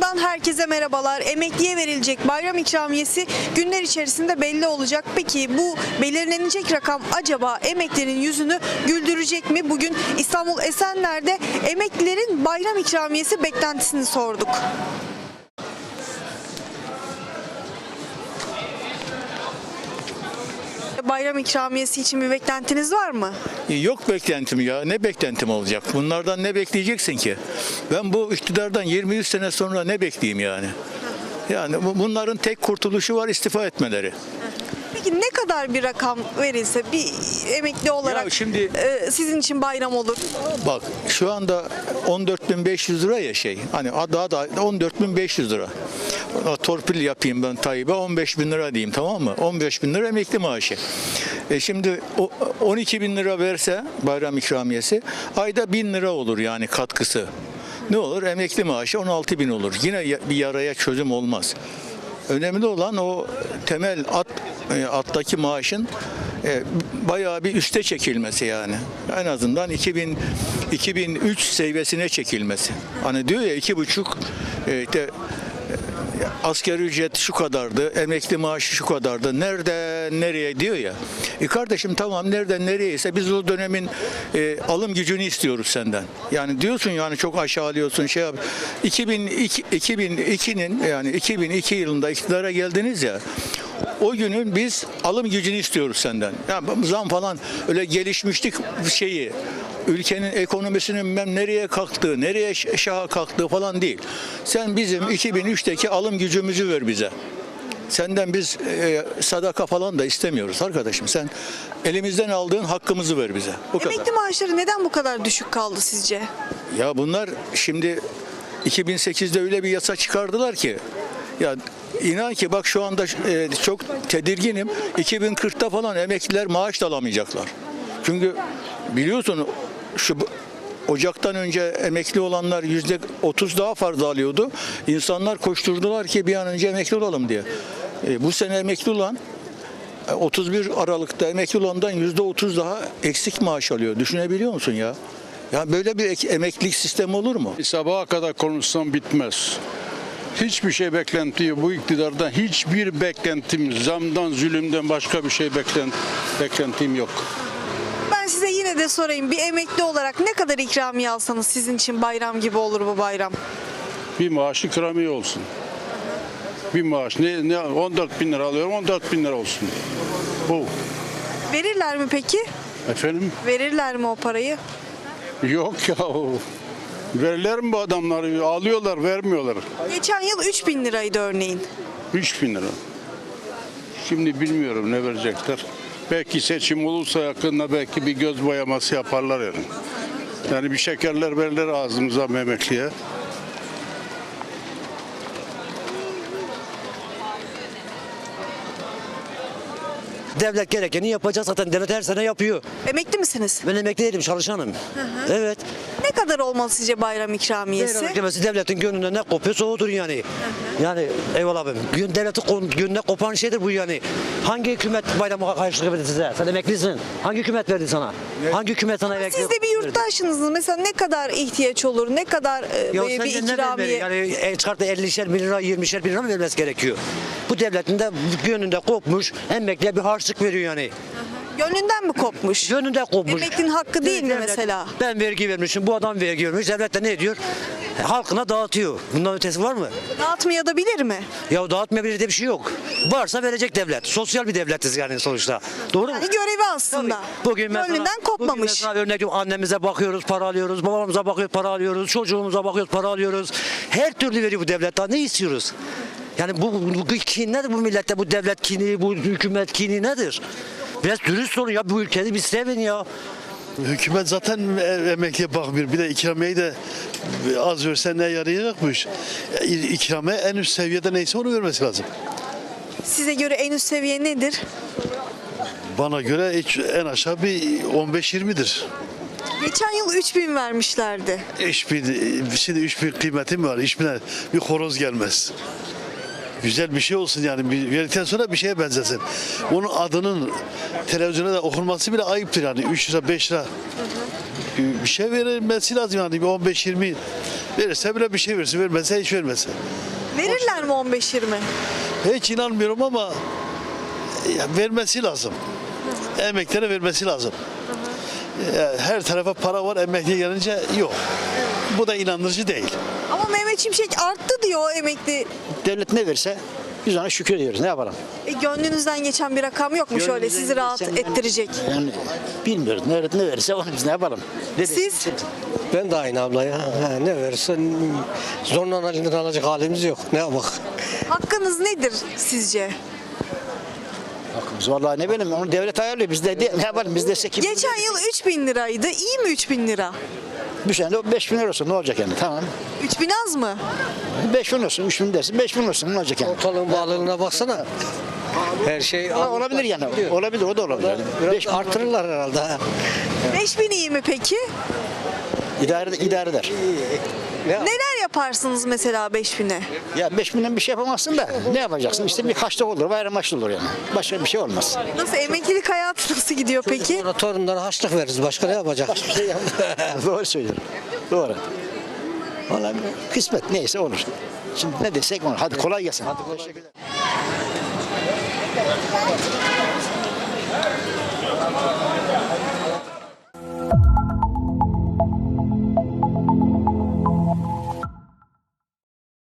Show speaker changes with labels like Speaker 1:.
Speaker 1: Ekranlardan herkese merhabalar. Emekliye verilecek bayram ikramiyesi günler içerisinde belli olacak. Peki bu belirlenecek rakam acaba emeklinin yüzünü güldürecek mi? Bugün İstanbul Esenler'de emeklilerin bayram ikramiyesi beklentisini sorduk. Bayram ikramiyesi için bir beklentiniz var mı?
Speaker 2: Yok beklentim ya. Ne beklentim olacak? Bunlardan ne bekleyeceksin ki? Ben bu iktidardan 23 sene sonra ne bekleyeyim yani? Yani bunların tek kurtuluşu var, istifa etmeleri.
Speaker 1: Peki ne kadar bir rakam verilse bir emekli olarak
Speaker 2: Ya şimdi
Speaker 1: sizin için bayram olur?
Speaker 2: bak şu anda 14.500 lira ya hani daha da 14.500 lira. Torpil yapayım ben Tayyip'e 15.000 lira diyeyim, tamam mı? 15.000 lira emekli maaşı. Şimdi 12.000 lira verse bayram ikramiyesi ayda 1.000 lira olur yani katkısı. Ne olur? Emekli maaşı 16.000 olur. Yine bir yaraya çözüm olmaz. Önemli olan o temel attaki maaşın bayağı bir üste çekilmesi yani. En azından 2003 seviyesine çekilmesi. Hani diyor ya 2,5 işte asgari ücret şu kadardı, emekli maaşı şu kadardı. Nereden nereye diyor ya. Kardeşim tamam nereden nereyse biz o dönemin alım gücünü istiyoruz senden. Yani diyorsun yani çok aşağılıyorsun şey yap. 2002'nin yani 2002 yılında iktidara geldiniz ya. O günün biz alım gücünü istiyoruz senden. Yani zam falan öyle gelişmişlik şeyi ülkenin ekonomisinin nereye kalktığı, nereye şaha kalktığı falan değil. Sen bizim 2003'teki alım gücümüzü ver bize. Senden biz sadaka falan da istemiyoruz arkadaşım. Sen elimizden aldığın hakkımızı ver bize. Bu kadar.
Speaker 1: Emekli maaşları neden bu kadar düşük kaldı sizce?
Speaker 2: Ya bunlar şimdi 2008'de öyle bir yasa çıkardılar ki ya inan ki bak şu anda çok tedirginim. 2040'ta falan emekliler maaş da alamayacaklar. Çünkü biliyorsun şu Ocak'tan önce emekli olanlar %30 daha fazla alıyordu. İnsanlar koşturdular ki bir an önce emekli olalım diye. Bu sene emekli olan 31 Aralık'ta emekli olandan %30 daha eksik maaş alıyor. Düşünebiliyor musun ya? Ya böyle bir emeklilik sistemi olur mu?
Speaker 3: Sabaha kadar konuşsam bitmez. Hiçbir şey beklenti bu iktidardan hiçbir beklentim zamdan zulümden başka bir şey beklentim yok.
Speaker 1: Ben size yine de sorayım, bir emekli olarak ne kadar ikramiye alsanız sizin için bayram gibi olur bu bayram?
Speaker 3: Bir maaş ikramiye olsun. Bir maaş ne 14.000 lira alıyorum 14.000 lira olsun. Bu.
Speaker 1: Verirler mi peki?
Speaker 3: Efendim?
Speaker 1: Verirler mi o parayı?
Speaker 3: Yok ya. Verirler mi bu adamları? Alıyorlar vermiyorlar.
Speaker 1: Geçen yıl 3.000 liraydı örneğin.
Speaker 3: 3.000 lira. Şimdi bilmiyorum ne verecekler. Belki seçim olursa yakında belki bir göz boyaması yaparlar yani. Yani bir şekerler verirler ağzımıza emekliye.
Speaker 4: Devlet gerekeni yapacak, zaten devlet her sene yapıyor.
Speaker 1: Emekli misiniz?
Speaker 4: Ben emekli değilim, çalışanım. Evet.
Speaker 1: Ne kadar olmalı sizce bayram ikramiyesi?
Speaker 4: Devletin gönlünden ne kopuyorsa odur yani. Yani eyvallah abim. Devletin gönlüne kopan şeydir bu yani. Hangi hükümet bayramı karşılık verdi size? Sen emeklisin. Hangi hükümet verdi sana? Hangi hükümet sana emekli?
Speaker 1: Siz de bir yurttaşsınız. Mesela ne kadar ihtiyaç olur? Ne kadar bir ikramiye?
Speaker 4: Yani çıkarttı 50'şer bin lira, 20'şer bin lira mı vermesi gerekiyor? Bu devletin de gönlünde kopmuş, emekliye bir harçlık veriyor yani.
Speaker 1: Gönlünden mi kopmuş?
Speaker 4: Gönlünde kopmuş.
Speaker 1: Emeklinin hakkı değil mi
Speaker 4: Devlet-
Speaker 1: mesela?
Speaker 4: Ben vergi vermişim, bu adam vergi vermiş. Devlet de ne ediyor? Halkına dağıtıyor. Bundan ötesi var mı?
Speaker 1: Dağıtmayabilir mi?
Speaker 4: Ya dağıtmayabilir diye bir şey yok. Varsa verecek devlet. Sosyal bir devletiz yani sonuçta. Doğru mu?
Speaker 1: Yani görevi aslında.
Speaker 4: Bugün mesela,
Speaker 1: Gönlünden kopmamış.
Speaker 4: Bugün mesela örnek veriyorum, annemize bakıyoruz, para alıyoruz. Babamıza bakıyoruz, para alıyoruz. Çocuğumuza bakıyoruz, para alıyoruz. Her türlü veriyor bu devlet. Daha ne istiyoruz? Yani bu kin nedir bu millette? Bu devlet kini, bu hükümet kini nedir? Biraz dürüst olun ya, bu ülkeyi bir sevin ya.
Speaker 5: Hükümet zaten emekliye bakmıyor. Bir de ikramiyeyi de az verse ne yarayacakmış. İkramiye en üst seviyede neyse onu vermesi lazım.
Speaker 1: Size göre en üst seviye nedir?
Speaker 5: Bana göre en aşağı bir 15-20'dir.
Speaker 1: Geçen yıl 3.000 vermişlerdi.
Speaker 5: Şimdi 3.000 kıymeti mi var? 3.000'e bir horoz gelmez. Güzel bir şey olsun yani. Verdikten sonra bir şeye benzesin. Onun adının televizyona da okunması bile ayıptır yani. 3 lira 5 lira bir şey verilmesi lazım yani. Bir 15-20 Verirse bile bir şey versin, vermezse hiç vermesin.
Speaker 1: Verirler mi 15-20?
Speaker 5: Hiç inanmıyorum ama vermesi lazım. Emeklilere vermesi lazım. Her tarafa para var, emekliye gelince yok. Bu da inandırıcı değil.
Speaker 1: Ama Mehmet Şimşek arttı diyor emekli.
Speaker 6: Devlet ne verirse biz ona şükür ediyoruz. Ne yapalım?
Speaker 1: Gönlünüzden geçen bir rakam yok mu şöyle sizi rahat ettirecek?
Speaker 6: Yani bilmiyoruz. Ne verirse onu biz ne yapalım?
Speaker 1: Siz?
Speaker 7: Ben de aynı abla ya. Ne verirsen zorla elinden alacak halimiz yok. Ne yapalım?
Speaker 1: Hakkınız nedir sizce?
Speaker 6: Hakkımız vallahi ne bileyim onu devlet ayarlıyor. Biz de ne yapalım? Biz desek ki
Speaker 1: Geçen yıl 3.000 liraydı. İyi mi 3.000 lira?
Speaker 6: bir sene de 5 bin lira olsun ne olacak yani? Tamam.
Speaker 1: 3.000 az mı?
Speaker 6: 5 bin olsun, 3 bin dersin, 5 bin olsun ne olacak yani?
Speaker 7: Ortalığın bağlılığına baksana. Her şey
Speaker 6: Olabilir yani. Olabilir, o da olabilir. Yani.
Speaker 7: Biraz
Speaker 6: 5 bin
Speaker 7: artırırlar herhalde.
Speaker 1: 5.000 iyi mi peki?
Speaker 6: idare eder.
Speaker 1: Neler yaparsınız mesela 5.000'e?
Speaker 6: Ya 5 binden bir şey yapamazsın da ne yapacaksın? İşte bir kaçta olur, bayram maçlı olur yani. Başka bir şey olmaz.
Speaker 1: Nasıl emeklilik hayatı nasıl gidiyor peki?
Speaker 7: Sonra torunlara harçlık veririz. Başka ne yapacak?
Speaker 6: Doğru söylüyorum. Doğru. Vallahi kısmet neyse olur. Şimdi ne desek olur. Hadi kolay gelsin. Hadi teşekkürler.